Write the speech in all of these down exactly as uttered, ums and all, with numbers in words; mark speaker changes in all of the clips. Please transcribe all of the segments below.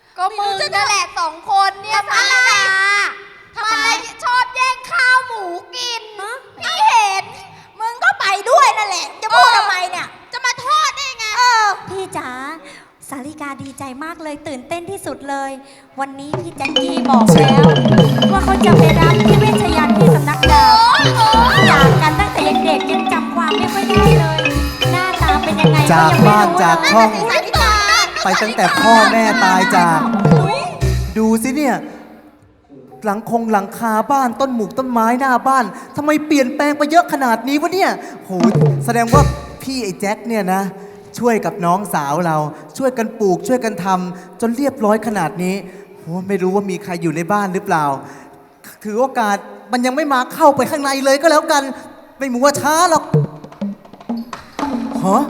Speaker 1: ก็มึงนั่นแหละสองคนเนี่ยสาลิกาทำไมชอบแย่งข้าวหมูกินพี่เห็นมึงก็ไปด้วยนั่นแหละจะพูดทำไมเนี่ยจะมาโทษได้ไงเออ
Speaker 2: พี่จ๋าสาริกาดีใจมากเลยตื่นเต้นที่สุดเลย วันนี้พี่แจ็คกี้บอกแล้ว ว่าเขาจะไปรับพี่เวชยันต์ที่สำนักดาวจากกันตั้งแต่เด็กๆยังจำความไม่ค่อยได้เลย หน้าตาเป็นยังไง
Speaker 3: จากบ้านจากช่อง
Speaker 1: สาลิกา
Speaker 3: ไปตั้งแต่พ่อแม่ตายจาก ดูสิเนี่ย หลังคงหลังคาบ้านต้นหมูกต้นไม้หน้าบ้านทำไมเปลี่ยนแปลงไปเยอะขนาดนี้วะเนี่ยโหแสดงว่าพี่ไอ้แจ็คเนี่ยนะ ช่วยกับน้องสาวเรา ช่วยกันปลูกช่วยกันทำจนเรียบร้อยขนาดนี้โหไม่รู้ว่ามีใครอยู่ในบ้านหรือเปล่า ถือโอกาสมันยังไม่มาเข้าไปข้างในเลยก็แล้วกัน ไม่มัวช้าหรอกฮะ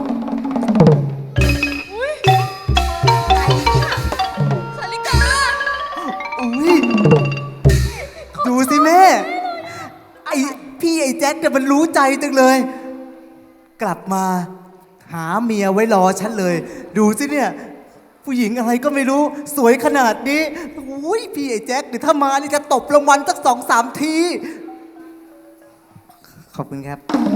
Speaker 1: สาลิกา
Speaker 3: อุ้ยดูสิแม่ไอพี่ไอ้แจ็คเนี่ยมันรู้ใจจังเลย กลับมาหาเมียไว้รอฉันเลย ดูสิเนี่ย ผู้หญิงอะไรก็ไม่รู้สวยขนาดนี้อุ้ยพี่ไอ้แจ็คเดี๋ยวถ้ามานี่จะตบรางวัลสักสองสามที ขอบคุณครับ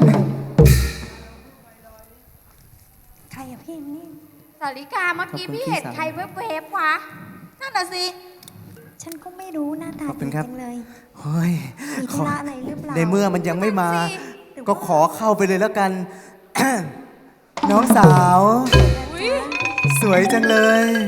Speaker 2: ใครอะพี่นี่
Speaker 1: สาลิกาเมื่อกี้พี่เห็นใครเวฟๆวะนั่นน่ะสิ
Speaker 2: ฉันก็ไม่รู้หน้าตา
Speaker 3: ขอบคุ
Speaker 2: ดี
Speaker 3: ณครับ
Speaker 2: จังเลย
Speaker 3: เฮ้ย
Speaker 2: มีธุระอะไรหรือเปล่า
Speaker 3: ในเมื่อมันยังไม่มา
Speaker 1: นั่นสิ
Speaker 3: ก็ขอเข้าไปเลยแล้วกัน น้องสาว
Speaker 1: อุ๊ย
Speaker 3: สวยจังเลย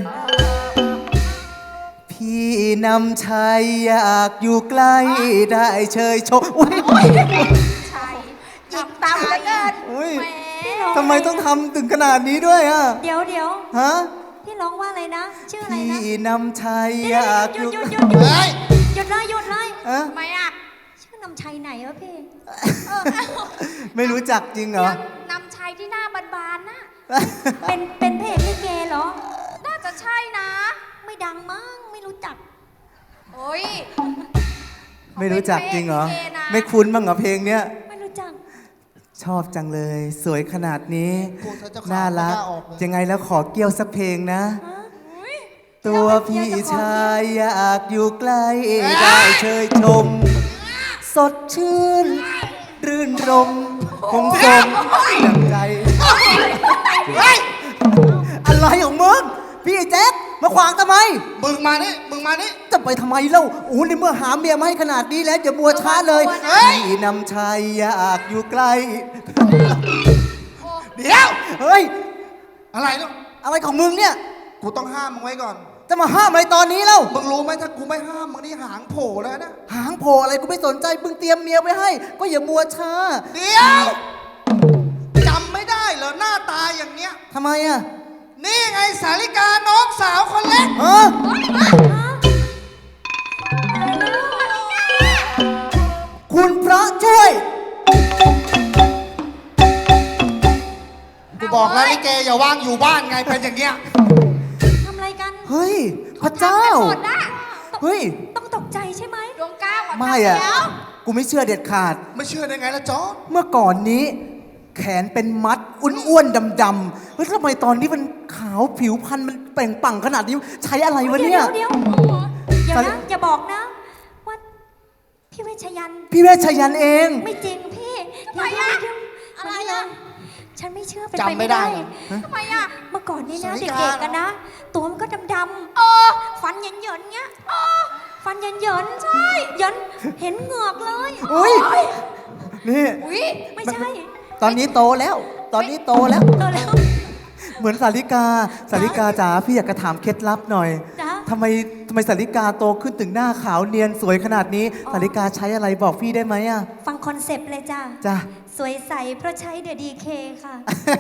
Speaker 3: พี่นำชัยอยากอยู่ใกล้ได้เชยชมอุ้ย
Speaker 1: ใช่จิบตามเหลือเกิน
Speaker 3: อุ้ย
Speaker 1: แหม
Speaker 3: ทำไมต้องทำถึงขนาดนี้ด้วยอ่ะ
Speaker 2: เดี๋ยวเดี๋ยว
Speaker 3: ฮะ
Speaker 2: พี่ร้องว่าอะไรนะ ชื่ออะไร
Speaker 3: พี่
Speaker 2: นะ
Speaker 3: นำชัย
Speaker 2: เดี๋
Speaker 3: อ
Speaker 2: ยว
Speaker 3: ยาก
Speaker 2: ห
Speaker 3: อ
Speaker 2: ยุด
Speaker 3: ยู่
Speaker 2: หยุดหยุดหยุด
Speaker 3: เฮ้ย
Speaker 2: หยุดเลยหยุดเลย
Speaker 3: อะ
Speaker 1: ทำไมอ่ะ
Speaker 2: ชื่อนำชัยไหนวะพี่
Speaker 1: เออ
Speaker 3: ไม่รู้จักจริงเหรอ
Speaker 1: นำชัยที่หน้าบานๆน่ะ
Speaker 2: เป็นเป็นเพลงลิเกเหรอ
Speaker 1: น่าจะใช่นะ
Speaker 2: ไม่ดังมั้งไม่รู้จัก
Speaker 1: โอ้ย
Speaker 3: ไม่รู้จักจริงเหรอ
Speaker 1: ขาป็นพนะ
Speaker 3: ไม่คุ้นบ้างเหรอเพลงเนี้ย
Speaker 2: ไม่รู้จัก
Speaker 3: ชอบจังเลย สวยขนาดนี้
Speaker 4: พูดซะเจ้าขา
Speaker 3: น่ารัก
Speaker 4: ไม่กล้าออกเลย
Speaker 3: ยังไงแล้วขอเกี่ยวสักเพลงนะ
Speaker 2: ฮะ
Speaker 1: อุ๊ย
Speaker 3: ตัวพี่ชายอยากอยู่ใกล้ได้เชยชม สดชื่น รื่นรมคงสมดังใจ อะไรของมึง พี่ไอ้แจ๊คมาขวางทำไม
Speaker 4: มึงมานี่ มึงมานี่
Speaker 3: จะไปทำไมเล่าโอ้ในเมื่อหาเมียมาให้ขนาดนี้แล้วอย่ามัวช้าเลย
Speaker 4: เฮ้ย
Speaker 3: พี่นำชัยอยากอยู่ใกล้
Speaker 4: เดี๋ยว
Speaker 3: เฮ้ย
Speaker 4: อะไรเนาะ
Speaker 3: อะไรของมึงเนี่ย
Speaker 4: กูต้องห้ามมึงไว้ก่อน
Speaker 3: จะมาห้ามอะไรตอนนี้เล่า
Speaker 4: มึงรู้ไหมถ้ากูไม่ห้ามมึงนี่หางโผล่แล้วนะ
Speaker 3: หางโผล่อะไรกูไม่สนใจมึงเตรียมเมียไว้ให้ ก็อย่ามัวช้า
Speaker 4: เดี๋ยวจำไม่ได้เหรอหน้าตาอย่างเงี้ย
Speaker 3: ทำไมอ่ะ
Speaker 4: นี่ไงสาลิกาน้องสาวคนเล็ก
Speaker 3: ฮะคุณพระช่วย
Speaker 4: กูบอกแล้วลิเกอย่าว่างอยู่บ้านไงเป็นอย่างเงี้ย
Speaker 2: ทำอะไรกัน
Speaker 3: เฮ้ย พระเจ้า
Speaker 1: หมดนะ
Speaker 3: เฮ้ย
Speaker 2: ต้องตกใจใช่ไหม
Speaker 1: ดวงก้าวอ่ะ
Speaker 3: ไม่อ่ะ
Speaker 1: ทำแล้ว
Speaker 3: กูไม่เชื่อเด็ดขาด
Speaker 4: ไม่เชื่อได้ไงล่ะจอร์จ
Speaker 3: เมื่อก่อนนี้ แขนเป็นมัดอ้วนๆดำๆเฮ้ยทำไมตอนนี้มันขาวผิวพรรณมันเปล่งปลั่งขนาดนี้ ใช้อะไรวะเนี่ย
Speaker 2: เดี๋ยวเดี๋ยวเดี๋ยวนะอย่าบอกนะว่าพี่เวชยันต์
Speaker 3: พี่เวชยันต์เอง
Speaker 2: ไม่จริงพี่
Speaker 1: ทำไมอะ
Speaker 2: เดี๋ยว
Speaker 1: อะไร
Speaker 2: เดี๋ยว
Speaker 1: อะ
Speaker 2: ฉันไม่เชื่อเป็นไป
Speaker 4: จำไม่
Speaker 2: ไม่
Speaker 4: ได้
Speaker 2: ได้
Speaker 4: เหรอ
Speaker 1: ทำไมอ่ะ
Speaker 2: เมื่อก่อนนี่นะ
Speaker 4: สาลิ
Speaker 2: เด็
Speaker 4: กาก
Speaker 2: ๆกันนะ ตัวมันก็ดำๆ
Speaker 1: เออ
Speaker 2: ฟันเหยินๆเงี้ยฟันเหยินๆใช่ เหยินเห็นเหงือกเลย
Speaker 3: อุ๊ย นี่
Speaker 1: อุ้ย
Speaker 2: ไม่ใช่
Speaker 3: ตอนนี้โตแล้ว ตอนนี้โตแล้ว
Speaker 2: โตแล้ว
Speaker 3: เหมือนสาริกา สาริกาจ๋าพี่อยากจะถามเคล็ดลับหน่อย
Speaker 2: จ๊ะ
Speaker 3: ทำไมทำไมสาริกาโตขึ้นถึงหน้าขาวเนียนสวยขนาดนี้
Speaker 2: อ๋อ
Speaker 3: สาริกาใช้อะไรบอกพี่ได้ไหมอ่ะ
Speaker 2: ฟังคอนเซปต์เลยจ้ะ
Speaker 3: จ้ะ
Speaker 2: สวยใสเพราะใช้เดอะดีเคค่ะ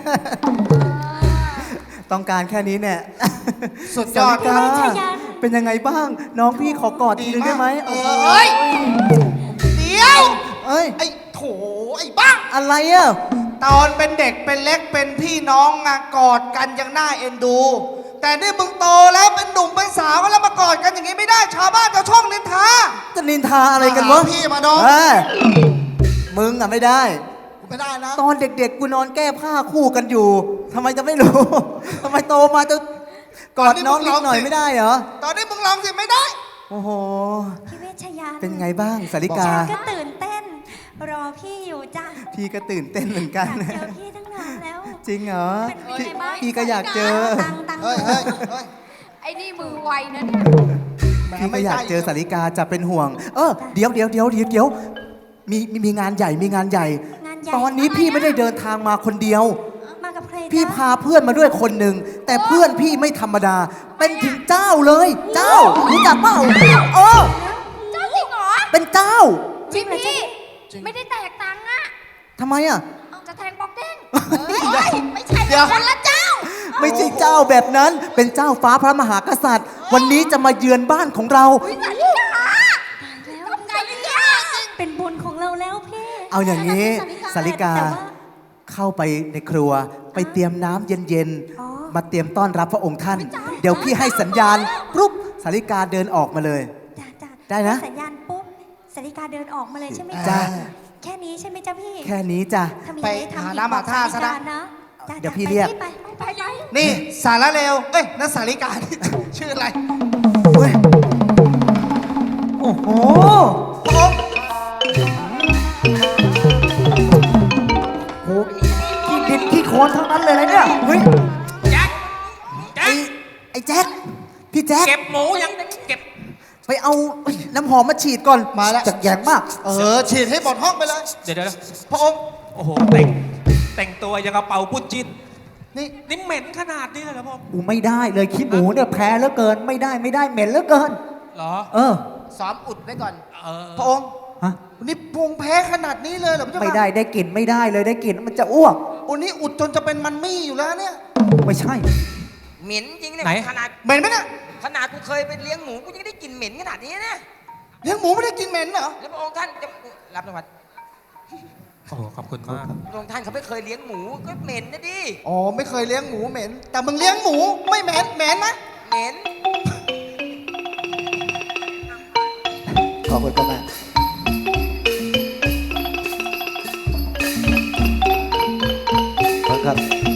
Speaker 3: ต้องการแค่นี้เนี่ย
Speaker 4: สุดยอด
Speaker 3: สาริกา
Speaker 2: พี่เวชยันต์
Speaker 3: เป็นยังไงบ้าง น้องพี่ขอกอดทีนึงได้ไหม
Speaker 4: เออเอ้ย เดี๋ยว
Speaker 3: เอ้ย
Speaker 4: ไอ้โถไอ้บ้า
Speaker 3: อะไรอ่ะ
Speaker 4: ตอนเป็นเด็กเป็นเล็กเป็นพี่น้องอะกอดกันยังน่าเอ็นดู แต่นี่มึงโตแล้วเป็นหนุ่มเป็นสาวแล้วมากอดกันอย่างนี้ไม่ได้ชาวบ้านชาวช่องนินทา
Speaker 3: จะนินทาอะไรกันวะ
Speaker 4: มาหาพี่มาดอง
Speaker 3: เอ้ยมึงอ่ะไม่ได้
Speaker 4: ไม่ได้นะ
Speaker 3: ตอนเด็กๆ กูนอนแก้ผ้าคู่กันอยู่ ทำไมจะไม่รู้ ทำไมโตมาจะกอดน้องนิดหน่อยไม่ได้เหรอ
Speaker 4: ตอนนี้มึงลองสิไม่ได้
Speaker 3: โอ้โห
Speaker 2: พี่เวชยันต์
Speaker 3: เป็นไงบ้างสาริกา
Speaker 2: ฉันก็ตื่นเต้น รอพี่อยู่จ้ะ
Speaker 3: พี่ก็ตื่นเต้นเหมือน
Speaker 2: อ
Speaker 3: กั
Speaker 2: ยาน กเจอพี่ตั้งนานแล้ว
Speaker 3: จริงเหรอ
Speaker 2: เป็นไงบ้าง
Speaker 3: พี่ก็อยากเจอ
Speaker 2: ตังตัง
Speaker 4: เฮ้ยเฮ้ยเฮ้ย
Speaker 1: ไอ้นี่มือไวนะเนี่ย
Speaker 3: พี่ก็อยากเจอสาริกาจะเป็นห่วง เออเดี๋ยวเดี๋ยวเดี๋ยวเดี๋ยวเดี๋ยวมีมีมีงานใหญ่มีงานใหญ่
Speaker 2: งานใหญ่
Speaker 3: ตอนนี้พี่ไม่ได้เดินทางมาคนเดียว
Speaker 2: มากับใครจ๊ะ
Speaker 3: พี่พาเพื่อนมาด้วยคนหนึ่งแต่เพื่อนพี่ไม่ธรรมดา เป็นถึงเจ้าเลย เจ้ารู้จักเปล่าเออ
Speaker 1: เจ้าจริงเหรอ
Speaker 3: เป็นเจ้า
Speaker 1: จริงพี่ไม่ได้แตกตังค์อะ
Speaker 3: ทำไมอ่ะ
Speaker 1: จะแทงบอกเด้งเฮ้ยไม่ใช่คนละเจ้า
Speaker 3: ไม่ใช่เจ้าแบบนั้น เป็นเจ้าฟ้าพระมหากษัตริย์ วันนี้จะมาเยือนบ้านของเรา
Speaker 1: อุ้ยสาลิกาทำไงเนี่ย
Speaker 2: เป็นบุญของเราแล้วพี่
Speaker 3: เอาอย่างนี้สาริกา
Speaker 2: แต่ว่า
Speaker 3: เข้าไปในครัว ไปเตรียมน้ำเย็น
Speaker 2: อ๋อ
Speaker 3: ๆ มาเตรียมต้อนรับพระองค์ท่าน เดี๋ยวพี่ให้สัญญาณปุ๊บสาริกาเดินออกมาเลย
Speaker 2: จ้ะจ้ะ
Speaker 3: ได้นะ
Speaker 2: ให้สัญญาณปุ๊บสาริกาเดินออกมาเลยใช่ไหม
Speaker 3: จ้ะ
Speaker 2: แค่นี้ใช่ไหมจ๊ะพี่
Speaker 3: แค่นี้จ้ะ
Speaker 2: ถ้ามี
Speaker 4: ไป
Speaker 2: อะไรทำ
Speaker 4: หา
Speaker 2: อีก
Speaker 4: น้ำหาท่าซะนะ
Speaker 2: บอกสริกนะจ้ะ
Speaker 3: เดี๋ยว
Speaker 2: จ้ะ
Speaker 3: พี่เรียก
Speaker 2: ไปไปไป
Speaker 4: นี่สาระเลวเอ้ยนั่นสาริกา ชื่ออะไร
Speaker 3: เฮ้ยโอ้โห
Speaker 4: พระองค์
Speaker 3: โหขี้ดินขี้โคลนทั้งนั้นเลยนะเนี่ย เฮ้ย
Speaker 5: แจ็คแจ็
Speaker 3: ไอ้
Speaker 5: ค
Speaker 3: ไอ้แจ็ค พี่แจ็ค
Speaker 5: เก็บหมูยังเก็บ
Speaker 3: ไปเอาน้ำหอมมาฉีดก่อน
Speaker 4: มาแล้ว
Speaker 3: จากแยงมาก
Speaker 4: เออฉีดให้หมดห้องไปเลย
Speaker 5: เดี๋ยวเดี๋ยว
Speaker 4: พระองค์
Speaker 5: โอ้โหแต่งแต่งตัวยังกระเป๋าปุ้นจิ้น
Speaker 4: นี่
Speaker 5: นี่เหม็นขนาดนี้เลยเหรอพ่อ
Speaker 6: กูไม่ได้เลยขี้หมูเนี่ยแพ้เหลือเกินไม่ได้ไม่ได้เหม็นเหลือเกิน
Speaker 5: เหรอ
Speaker 6: เออ
Speaker 4: ซ้อมอุดไว้ก่อน
Speaker 5: เออ
Speaker 4: พระองค์
Speaker 6: ฮะ
Speaker 4: นี่ปรุงแพ้ขนาดนี้เลยเหรอพระเจ้าค่ะ
Speaker 6: ไม่ได้ได้กลิ่นไม่ได้เลยได้กลิ่นมันจะอ้วก
Speaker 4: โอ้นี่อุดจนจะเป็นมันมี่อยู่แล้วเนี่ย
Speaker 6: ไม่ใช่
Speaker 7: เหม็นจริงเนี่ย
Speaker 5: ไหน
Speaker 7: ขนาด
Speaker 4: เหม็นไหมเนี่ย
Speaker 7: ขนาดกูเคยไปเลี้ยงหมูกูยังได้กลิ่นเหม็นขนาดนี้นะ
Speaker 4: เลี้ยงหมูไม่ได้กินเหม็นเหรอ
Speaker 7: แล้วพระองค์ท่านจะรับรางวัล
Speaker 5: โอ้โหขอบคุณมาก
Speaker 7: พระองค์ท่านเขาไม่เคยเลี้ยงหมูก็เหม็นนะดิ
Speaker 4: อ๋อไม่เคยเลี้ยงหมูเหม็น แต่มึงเลี้ยงหมูไม่เหม็นเหม็นไหม
Speaker 7: เหม็น
Speaker 6: ขอบคุณก็แม่ครับ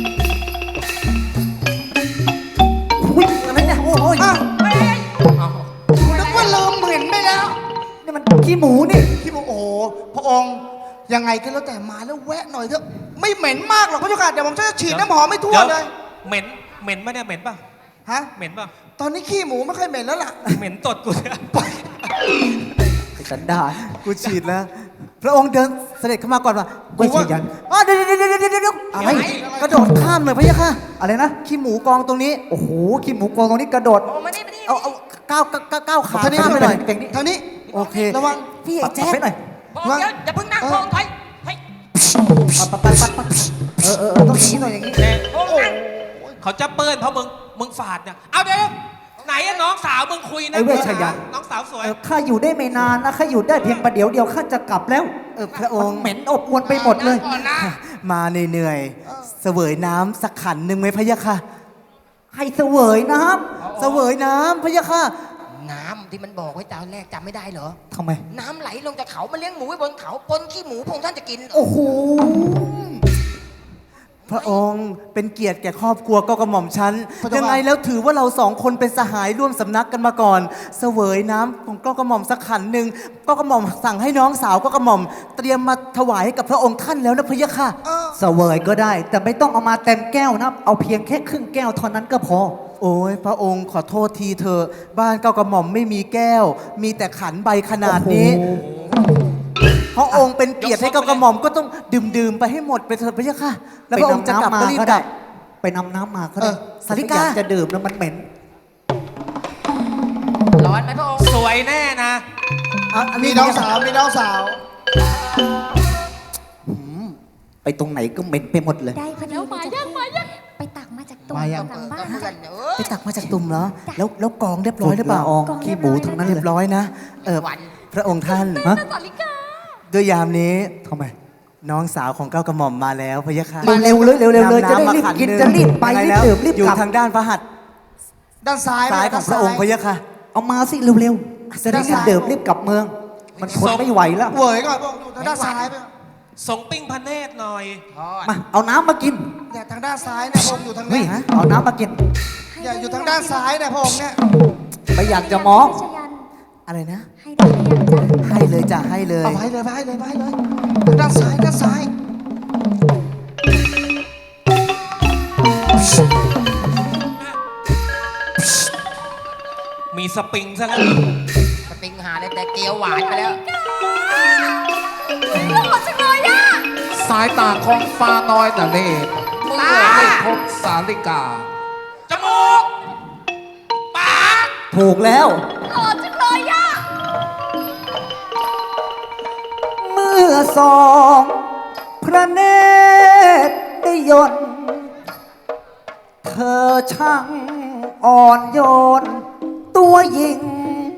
Speaker 3: อุ้ยอะไรเนี่ยโอ้ย
Speaker 4: อ้าว
Speaker 5: เอา
Speaker 4: กูนึกว่าลืมเหม็นไปแล้ว
Speaker 6: นี่มันขี้หมูนี่
Speaker 4: ที่บอกโอ้โหพระองค์ยังไงก็แล้วแต่มาแล้วแวะหน่อยเถอะไม่เหม็นมากหรอกพระเจ้าค่ะเดี๋ยวผมจะฉีดน้ำหอมไม่ทั่ว
Speaker 5: ดี๋
Speaker 4: เลย
Speaker 5: เหม็นเหม็นปะเนี่ยเหม็นปะ
Speaker 4: ฮะ
Speaker 5: เหม็นปะ
Speaker 4: ตอนนี้ขี้หมูไม่ค่อยเหม็นแล้วล่ะ
Speaker 5: เหม็นตดกูเนี่ย
Speaker 6: ไอ้สันดาน
Speaker 3: กูฉีดแล้ว พระองค์เดินเสด็จเข้ามาก่อนว่ะ
Speaker 6: เว้ยเชียยัน
Speaker 3: อ๋อเดี๋ยวเดี๋ยวเดี๋ยวเดี๋ยวเดี๋ยวอะไรกระโดดข้ามเลยพะยะค่ะ
Speaker 6: อะไรนะ
Speaker 3: ขี้หมูกองตรงนี้
Speaker 6: โอ้โหขี้หมูกองตรงนี้กระโดด
Speaker 7: โอ้มานี่มานี่
Speaker 3: เอาเอาก้าวก้าวก้าวก้าวขา
Speaker 4: ทางนี้
Speaker 3: ข้ามไปหน่อย
Speaker 6: เก่งนี่
Speaker 4: ทางนี้
Speaker 3: โอเค
Speaker 4: ระวัง
Speaker 3: พี่ไอ้แจ๊ค
Speaker 6: ปัดไปหน่อย
Speaker 7: พระองค์เดี๋ยวอย่าเพิ่งนั่งพระองค์ถอยเฮ้ย
Speaker 6: ปัดปัดปัดปัดปัดเออเออเออต้องอย่างนี้หน่อยอย่างนี้
Speaker 5: แน่
Speaker 7: พระองค์นั่ง
Speaker 5: เขาจะเปิ้ลเพราะมึงมึงฝาดเนี่ยเอาเดี๋ยวไหนอะน้องสาวมึงคุยนะ
Speaker 6: ไอ้เวชยันต์
Speaker 5: น้องสาวสวย
Speaker 6: เออข้าอยู่ได้ไม่นานนะข้าอยู่ได้เพียงประเดี๋ยวเดียวข้าจะกลับแล้ว
Speaker 3: เออพระองค์
Speaker 6: เหม็นอบอวนไปหมดเลย
Speaker 7: ก่อนนะ
Speaker 3: มาเหนื่อยๆเสวยน้ำสักขันหนึ่งไหมพะยะค่ะ
Speaker 6: ให้เสวยน้
Speaker 3: เสวยน้ำพะยะค่ะ
Speaker 7: น้ำที่มันบอกไว้ตอนแรกจำไม่ได้เหรอ
Speaker 6: ำทำไม
Speaker 7: น้ำไหลลงจากเขามาเลี้ยงหมูไว้บนเขาปนขี้หมูพระองค์ท่านจะกิน
Speaker 6: โอ้โห
Speaker 3: พระองค์เป็นเกียรติแก่ครอบครัวก็กระหม่อมฉัน
Speaker 4: พระเจ้าค่ะ
Speaker 3: ยังไงแล้วถือว่าเราสองคนเป็นสหายร่วมสำนักกันมาก่อน เสวยน้ำของก็กระหม่อมสักขันหนึ่งก็กระหม่อมสั่งให้น้องสาวก็กระหม่อม เตรียมมาถวายให้กับพระองค์ท่านแล้วนะพะยะค่ะ
Speaker 4: เออ
Speaker 6: เสวยก็ได้ แต่ไม่ต้องเอามาเต็มแก้วนะ เอาเพียงแค่ครึ่งแก้วเท่านั้นก็พอ
Speaker 3: โอ้ยพระองค์ขอโทษทีเถอะบ้านเก้ากระหม่อมไม่มีแก้ว มีแต่ขันใบขนาดนี้ พระองค์เป็นเกียรติให้เก้ากระหม่อมก็ต้องดื่มดื่มๆไปให้หมดไปเถิดพะยะค่ะ แล้วพระองค์จะกลับก็รีบกลับ
Speaker 6: ไปนำน้ำมาก็
Speaker 3: เอ
Speaker 6: ได้
Speaker 3: อสาริกา
Speaker 6: อยากจะดื่มแล้วมันเหม็น
Speaker 7: ร้อนไหมพระองค์
Speaker 5: สวยแน่นะ
Speaker 3: อ่ะอัน
Speaker 4: มี
Speaker 3: นี้
Speaker 4: น้องสาวมีน้องสาว
Speaker 6: ไปตรงไหนก็เหม็นไปหมดเลย
Speaker 2: ได้พอดีเลยจ้ะพี่ไปตักมาจากตัว
Speaker 6: มายัง
Speaker 2: หลังบ้า
Speaker 7: ก็
Speaker 2: น
Speaker 7: เพื่อนเออ
Speaker 3: ไปตักมาจากตุ่มเหรอแล้วแล้วกองเรียบร้อยหรือเปล่า
Speaker 6: ฝุ่นละอองขี้หมูทั้งนั้น
Speaker 3: เรี
Speaker 6: เลย
Speaker 3: บร้อยนะเออ
Speaker 7: วัน
Speaker 3: พระองค์ท่าน
Speaker 6: ฮะ
Speaker 3: ด้วยยามนี้
Speaker 6: ทำไม
Speaker 3: น้องสาวของเก้ากระหม่อมมาแล้วพะยะค่ะ
Speaker 6: เร็วๆเลยเร็วๆเลย
Speaker 3: นำ
Speaker 6: จะได้
Speaker 3: น้ำมา
Speaker 6: รีบ
Speaker 3: ขัน
Speaker 6: กิน
Speaker 3: หง
Speaker 6: จะรีบไป
Speaker 3: ยังง
Speaker 6: รีบ
Speaker 3: แล้ว
Speaker 6: ดื่มรีบ
Speaker 3: อยู่
Speaker 6: กลับ
Speaker 3: ทางด้านพระหัตถ์
Speaker 4: ด้านซ้าย
Speaker 3: ซ้ายของพระองค์พะยะค่ะ
Speaker 6: เอามาสิเร็วๆจะได้รีบดื่มรีบกลับเมือง มันทนไม่ไหวแล้ว
Speaker 4: เหวยก่อนพระองค์อยู่ทางด้านซ้ายไป
Speaker 5: ส่งปิ้งพระเนตรหน่อย
Speaker 7: ทอด
Speaker 6: มาเอาน้ำมากิน
Speaker 4: เนี่ยทางด้านซ้ายเนี่ยพระองค์อยู่ทาง
Speaker 6: เฮ้
Speaker 4: นี้
Speaker 6: ยเอาน้ำมากิน
Speaker 2: ให้
Speaker 4: อย่าอยู่ทางด้านซ้ายนะพระองค์เนี่ย
Speaker 3: ไม่อยากจะมอง
Speaker 2: ชยัน
Speaker 3: อะไรนะ
Speaker 2: ให้ได้หรือยังจ๊ะ
Speaker 3: ให้เลยจ้ะให้เลย
Speaker 4: เอาไว้เลยไว้เลยไว้เลยทางด้านซ้ายด้านซ้าย
Speaker 5: มีสปริงซะแล้ว
Speaker 7: สติงหาเลยแต่เกียวหวานไปแล้ว
Speaker 1: หมดจังเลยอ่ะ
Speaker 8: สายตาของฟ้าน้อยน่ะเล่เมื่อได้พบสาลิกา
Speaker 5: จมูก ปาก
Speaker 3: ถูกแล้ว
Speaker 1: หล่อจังเลยอ่ะ
Speaker 6: เมื่อสอง พระเนตรได้ยนต์เธอช่างอ่อนโยน ตัวหญิง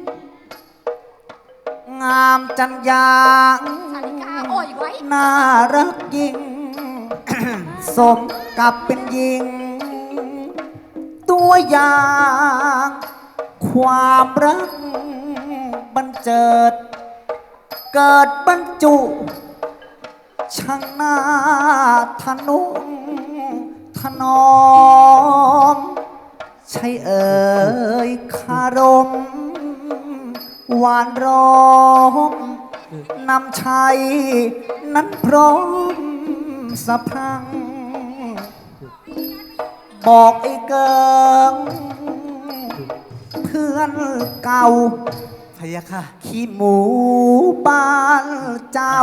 Speaker 6: งามจันยาง
Speaker 1: สาลิกาโอ่อยไว้
Speaker 6: น่ารักยิ่ง สมกับเป็นหญิง ตัวอย่าง ความรักบันเจิด เกิดบรรจุช่างหน้าทะนุถนอม ใช่เอ่ยคารม หวานร้อมนำชัยนั้นพร้อมสะพรัง บอกไอ้เกิงเพื่อนเก่า
Speaker 3: พะยะค่ะ
Speaker 6: ขี้หมูบ้านเจ้า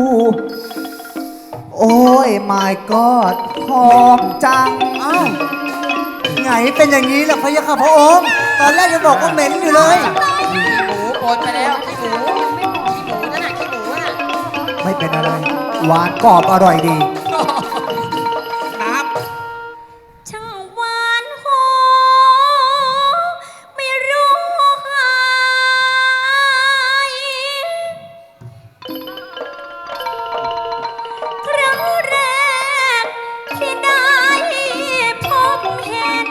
Speaker 6: โอ้ย my god หอมจัง
Speaker 3: อ้าวไงเป็นอย่างนี้ล่ะพะยะค่ะพระองค์ ตอนแรกจะบอกว่าเหม็นอยู่เลย
Speaker 7: ขี้หมูปนไปแล้วขี้หมูขี้หมูนั่นน่ะขี้หมูน่ะ
Speaker 6: ไม่เป็นอะไร หวานกรอบอร่อยดี
Speaker 5: น้
Speaker 2: ช่างหวานหอมไม่รู้หายครั้งแรกที่ได้พบเห็น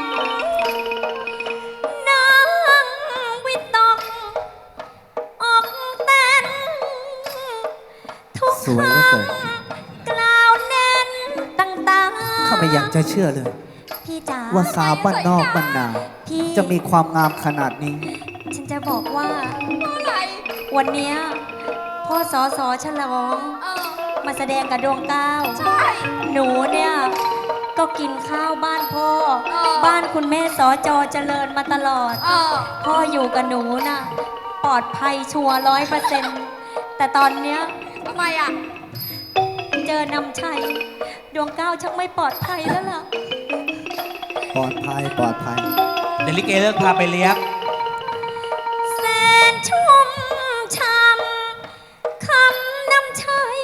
Speaker 2: นางวิตกอกเต้นทุก
Speaker 3: สวยเหลือเกิน
Speaker 2: คำกล่าวแน่นต่างๆ
Speaker 3: ข้าไม่อยากจะเชื่อเลย
Speaker 2: พี่จ๋า
Speaker 3: ว่าสาวบ้านนอกบ้านนา
Speaker 2: พี่
Speaker 3: จะมีความงามขนาดนี้
Speaker 2: ฉันจะบอกว่า
Speaker 1: อะไร
Speaker 2: วันเนี้ยพ่อสอสอฉลอง
Speaker 1: เออ
Speaker 2: มาแสดงกับดวงเก้า
Speaker 1: ใช่
Speaker 2: หนูเนี่ย ก็กินข้าวบ้านพ่อ
Speaker 1: เออ
Speaker 2: บ้านคุณแม่สอจอเจริญมาตลอด
Speaker 1: เออ
Speaker 2: พ่ออยู่กับหนูน่ะ ปลอดภัยชัวร้อยเปอร์เซ็นต์แต่ตอนเนี้ย
Speaker 1: ทำไมอ่ะ
Speaker 2: เจอนำชัย ดวงเก้าชักไม่ปลอดภัยแล้วล่ะ
Speaker 3: ปลอดภัยปลอดภัย
Speaker 5: ำเดยวลิเกเลิกพาไปเลี้ยง
Speaker 2: แสนชุ่มช่ำคำนำชัย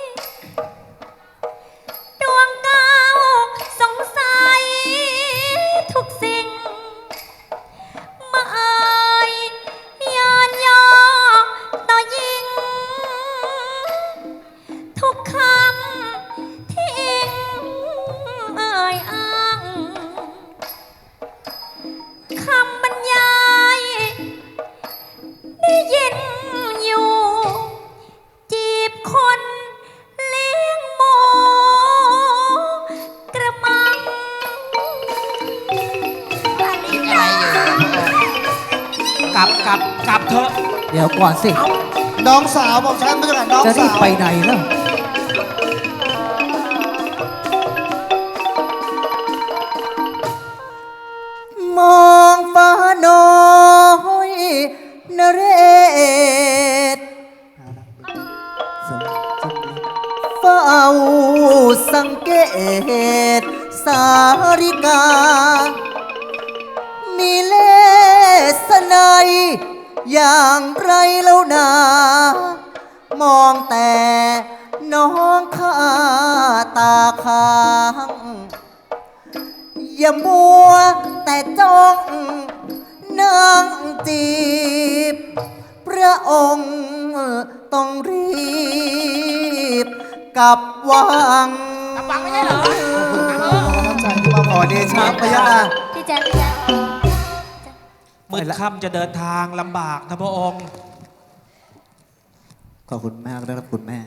Speaker 2: ดวงเก้าสงสัยทุกสิ่ง มาเอ่ยยานยอต่อยิง ทุกคำที่อิงเอ่ยอ้าง คำบรรยายได้ยินอยู่ จีบคนเลี้ยงหมูกระมัง
Speaker 7: คิดอะไรอยู่พระองค์
Speaker 5: กลับกลับกลับเถอะ
Speaker 3: เดี๋ยวก่อนสิ
Speaker 4: น้องสาวบอกฉันมาจากไหนน้อง
Speaker 3: จะรี
Speaker 4: สา
Speaker 3: บ
Speaker 4: ว
Speaker 3: ไปไหนล่ะ มองฟ้าน้อยนเรศเฝ้าสังเกต สาริกา มีเลสไนยอย่างไรแล้วนา มองแต่น้องข้าตาค้าง อย่ามัวแต่จ้องนั่งจีบ พระองค์ต้องรีบกลับวัง
Speaker 7: กลับวังไม่ใช่เหรอ
Speaker 4: น้ำใจที่มา
Speaker 3: ขอเดชะพระยาค่ะ
Speaker 2: พี่แจ๊คพี่แจ๊ค
Speaker 5: มืดค่ำจะเดินทางลำบากนะพระองค์
Speaker 3: ขอบคุณมากนะครับคุณแม่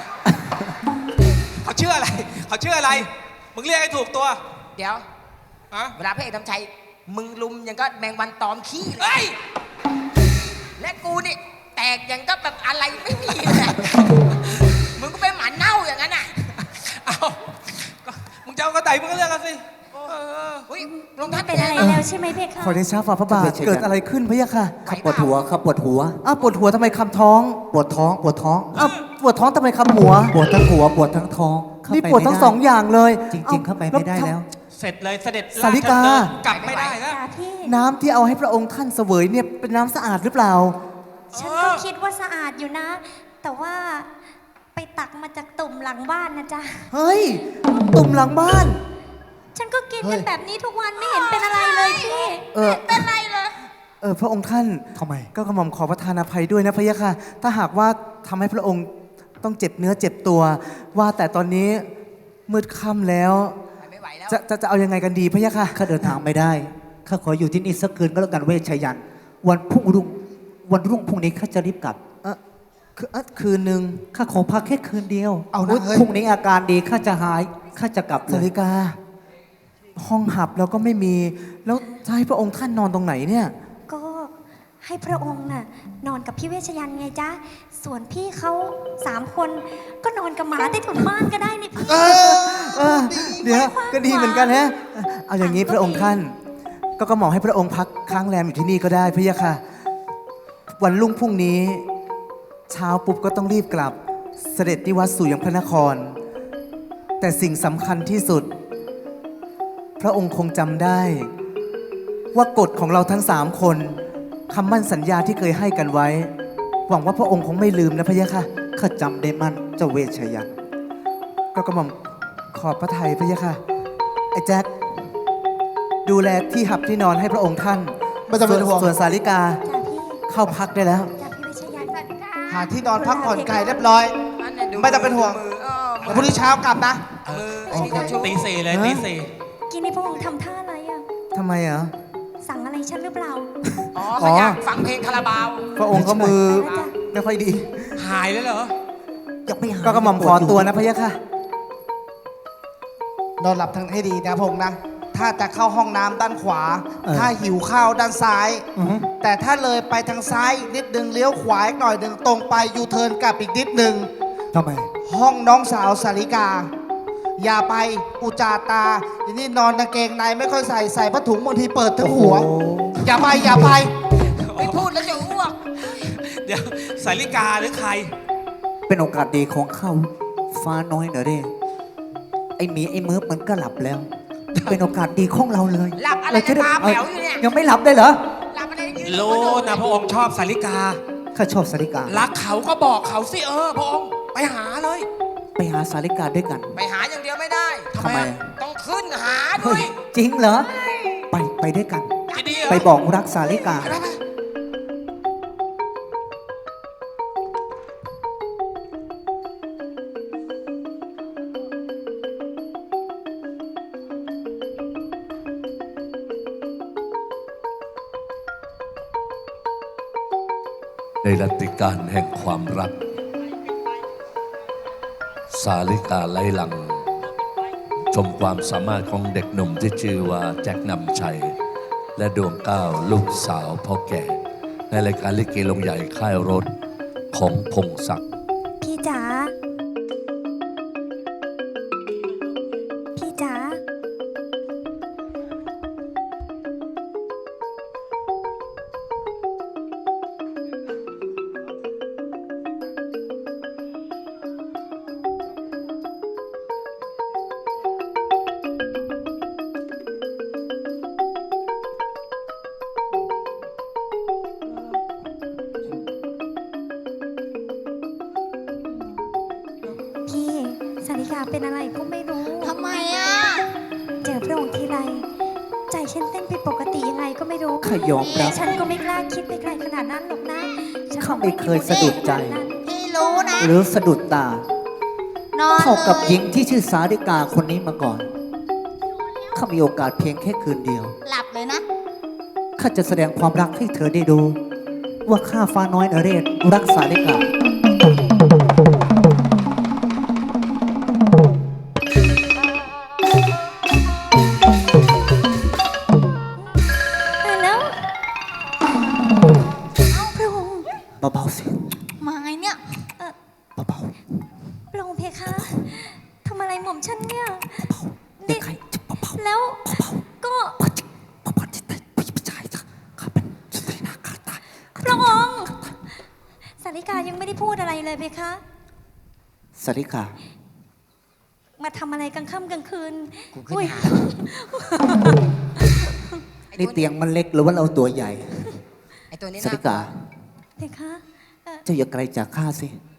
Speaker 5: เขาชื่ออะไร เขาชื่ออะไร มึงเรียกให้ถูกตัว
Speaker 7: เดี๋ยว
Speaker 5: อะ
Speaker 7: เวลาพระเอกทำชัยมึงลุมยังก็แมงวันตอมขี้เล
Speaker 5: เฮ้
Speaker 7: ย
Speaker 5: ย
Speaker 7: และกูนี่แตกยังก็แบบอะไรไม่มีเลยมึงก็เป็นหมาเน่าอย่างนั้นอ่ะ
Speaker 5: เอาก็มึงจะเอากระต่ายมึงก็เรียกกันสิเออ
Speaker 7: อุ้ยลงท่าน
Speaker 2: เป็นอะไรแล้วใช่ไหมเพคะ
Speaker 3: ขอเดชะฝ่าพระบาทเกิดอะไรขึ้นพะยะค่ะ
Speaker 6: ข้าปวดหัวข้าปวดหัว
Speaker 3: อ้าวปวดหัวทำไมคำท้อง
Speaker 6: ปวดท้องปวดท้อง
Speaker 3: อ้าวปวดท้องทำไมคำหัว
Speaker 6: ปวดทั้งหัวปวดทั้งท้องเข้า
Speaker 3: นี่
Speaker 6: ไป
Speaker 3: ปวดทั้ง
Speaker 6: ไม่ไ
Speaker 3: สองอย่างเลย
Speaker 6: จริง ๆ เข้าไปไม่ได้แล้ว
Speaker 5: เสร็จเลยเสด็จ
Speaker 3: สาริกา
Speaker 5: ชดำเนินกลับไม่ได้แล้ว
Speaker 2: จ้าพี่
Speaker 3: น้ำที่เอาให้พระองค์ท่านเสวยเนี่ยเป็นน้ำสะอาดหรือเปล่า
Speaker 2: ฉันก็คิดว่าสะอาดอยู่นะ แต่ว่าไปตักมาจากตุ่มหลังบ้านนะจ๊ะ
Speaker 3: เฮ้ย ตุ่มหลังบ้าน
Speaker 2: ฉันก็กินกันแบบนี้ทุกวันไม่เห็นเป็นอะไรเลยพี่
Speaker 3: เออ
Speaker 1: เป็นไรเลย
Speaker 3: เออพระองค์ท่าน
Speaker 6: ทำไม
Speaker 3: ก็กระหม่อมขอประทานอภัยด้วยนะพะยะค่ะ ถ้าหากว่าทำให้พระองค์ต้องเจ็บเนื้อเจ็บตัว ว่าแต่ตอนนี้มืดค่ำแล้ว
Speaker 7: ไปไม่ไหวแล้ว
Speaker 3: จะจะจะเอายังไงกันดีพะยะค่ะ
Speaker 6: ข้าเดินทางไม่ได้ ข้าขออยู่ที่นี่สักคืนก็แล้วกันเวชชยัน วันพรุ่งรุ่ง วันรุ่งพรุ่งนี้ข้าจะรีบกลับ
Speaker 3: เออคือเอ่อคืนหนึ่ง
Speaker 6: ข้าขอพักแค่คืนเดียว
Speaker 4: เอานะเฮ้ย
Speaker 6: พรุ่งนี้อาการดีข้าจะหาย ข้าจะกลับเล
Speaker 3: สาย ริกาห้องหับเราก็ไม่มี แล้วจะให้พระองค์ท่านนอนตรงไหนเนี่ย
Speaker 2: ก็ให้พระองค์น่ะนอนกับพี่เวชยันต์ไงจ๊ะ ส่วนพี่เขาสามคนก็นอนกับหมาใต้ถุนบ้านก็ได้นี่พี่
Speaker 3: เออ เดี๋ยวก็ดีเหมือนกันฮะ เอาอย่างนี้พระองค์ท่าน ก็ก็เหมาะให้พระองค์พักค้างแรมอยู่ที่นี่ก็ได้พะยะค่ะ วันรุ่งพรุ่งนี้ เช้าปุ๊บก็ต้องรีบกลับ เสด็จนิวัตสู่ยังพระนคร แต่สิ่งสำคัญที่สุด พระองค์คงจำได้ ว่ากฎของเราทั้งสามคนคำมั่นสัญญาที่เคยให้กันไว้ หวังว่าพระองค์คงไม่ลืมนะพะยะค่ะ
Speaker 6: ข้าจำได้มั่นเจ้าเวชยันต์
Speaker 3: ก็กระหม่อมขอบพระทัยพะยะค่ะ ไอ้แจ็คดูแลที่หับที่นอนให้พระองค์ท่าน
Speaker 4: ไม่ต้องเป็นห่วง
Speaker 3: ส่วนสาริกา
Speaker 2: จ้ะพี่
Speaker 3: เข้าพักได้แล้ว
Speaker 2: จ้ะพี่เวชยันต์
Speaker 4: หาที่นอนพักผ่อนไกลเรียบร้อย
Speaker 7: อันนั้นดู
Speaker 4: ไม่ต้องเป็นห่วง
Speaker 7: มือเออ
Speaker 4: เดี๋ยวพรุ่งนี้เช้ากลับนะ
Speaker 7: มือไอ้นี่เจ้าชู้
Speaker 5: ตีสี่เลยตีสี่
Speaker 2: กินนี่พระองค์ทำท่าอะไรอ่ะ
Speaker 3: ทำไมอ่ะ
Speaker 2: สั่งอะไรฉันหรือเปล่า
Speaker 7: อ๋อเขาอยากฟังเพลงคาราบาว
Speaker 3: พระองค์ก็มือ
Speaker 2: ไปแล้วจ้ะ
Speaker 3: ไม่ค่อยดี
Speaker 5: หายเลยเหรอ
Speaker 6: ยังไม่หาย
Speaker 3: ก็กระหม่อมขอตัวนะพะยะค่ะ
Speaker 4: นอนหลับทั้งให้ดีนะพงษ์นะ ถ้าจะเข้าห้องน้ำด้านขวา
Speaker 3: เออ
Speaker 4: ถ้าหิวข้าวด้านซ้าย
Speaker 3: อือฮึ
Speaker 4: แต่ถ้าเลยไปทางซ้ายนิดนึงเลี้ยวขวาอีกหน่อยหนึ่งตรงไปยูเทิร์นกลับอีกนิดนึง
Speaker 6: ทำไม
Speaker 4: ห้องน้องสาวสาริกา อย่าไปอุจจาตาทีนี่นอนกางเกงในไม่ค่อยใส่ใส่ผ้าถุงบางทีเปิดทั้งหัว
Speaker 6: โอ้โห
Speaker 4: อย่าไปอย่าไป
Speaker 7: ไม่พูดแล้วจะอ้วก
Speaker 5: เดี๋ยวสาริกาหรือใคร
Speaker 6: เป็นโอกาสดีของเขาฟ้าน้อยเนอะเด้ไอ้หมีไอ้เมิร์ฟมันก็หลับแล้ว เป็นโอกาสดีของเราเลย
Speaker 7: หลับอะไร
Speaker 6: เาจด้
Speaker 7: ตาแป๋วอยู่เนี่ย
Speaker 6: ยังไม่หลับได้เหรอ
Speaker 7: หลับอะไรยืน
Speaker 5: รู้นะพระองค์ชอบสาริกา
Speaker 6: ข้าชอบสาริกา
Speaker 5: รักเขาก็บอกเขาสิเออพระองค์ไปหาเลย
Speaker 6: ไปหาสาริกาด้วยกัน
Speaker 7: ไปหาอย่างเดียวไม่ได้
Speaker 5: ทำไม
Speaker 7: ต้องขึ้นหาด้
Speaker 6: เฮ้
Speaker 7: วย
Speaker 6: ย จริงเหรอ ไปไปด้วยกัน
Speaker 5: จะดีเหรอ
Speaker 6: ไปบอกรักสาริกา
Speaker 5: ไปไปไป
Speaker 9: ในรัตติการแห่งความรัก สาลิกาไลหลัง ชมความสามารถของเด็กหนุ่มที่ชื่อว่าแจ็คนำชัย และดวงก้าวลูกสาวพ่อแก่ ในรายการลิเกลงใหญ่ค่ายรถของพงศักดิ์
Speaker 2: พี่จ๋า พี่จ๋า พี่สาริกาเป็นอะไรก็ไม่รู้
Speaker 1: ทำไมอ่ะ
Speaker 2: เจอพระองค์ทีไรใจฉันเต้นผิดปกติยังไงก็ไม่รู้
Speaker 6: ข้ายอม
Speaker 2: แต่
Speaker 6: รับ
Speaker 2: ฉันก็ไม่กล้าคิดไปไกลขนาดนั้นหรอกนะฉัน
Speaker 6: ข้าไม่เคยสะดุดใจ
Speaker 2: ขนานั้น
Speaker 1: พี่รู้นะ
Speaker 6: หรือสะดุดตา
Speaker 1: นอน
Speaker 6: เท่ากับ
Speaker 1: ล
Speaker 6: หญิงที่ชื่อสาริกาคนนี้มาก่อน ข้ามีโอกาสเพียงแค่คืนเดียว
Speaker 1: หลับเลยนะ
Speaker 6: ข้าจะแสดงความรักให้เธอได้ดู ว่าข้าฟ้าน้อยนเรศรักสาริกา
Speaker 2: ตายแล้วพระองค์
Speaker 6: เบาๆสิ
Speaker 1: มาไงเนี่ย
Speaker 2: เอ่อ
Speaker 6: เบา
Speaker 2: พระองค์เพคะทำอะไรหม่อมฉันเนี่ย
Speaker 6: ๆเด็กใครจะเบาๆ
Speaker 2: แล้วก็
Speaker 6: เบาๆจิเบาๆจิแต่ผู้ชายจ้ะข้าเป็นสตรีนาคาตาย
Speaker 2: พระองค์สาริกายังไม่ได้พูดอะไรเลยเพคะ
Speaker 6: สาริกา
Speaker 2: มาทำอะไรกลางค่ำกลางคืน
Speaker 7: กูขึ้น
Speaker 2: อุ๊ย
Speaker 7: หา
Speaker 6: นี่เตียงมันเล็กหรือว่าเราตัวใหญ่
Speaker 7: ไอ้ตัวนี้
Speaker 6: สาริกา
Speaker 2: เพคะเอ่อ
Speaker 6: เจ้าอย่าไกลจากข้าสิ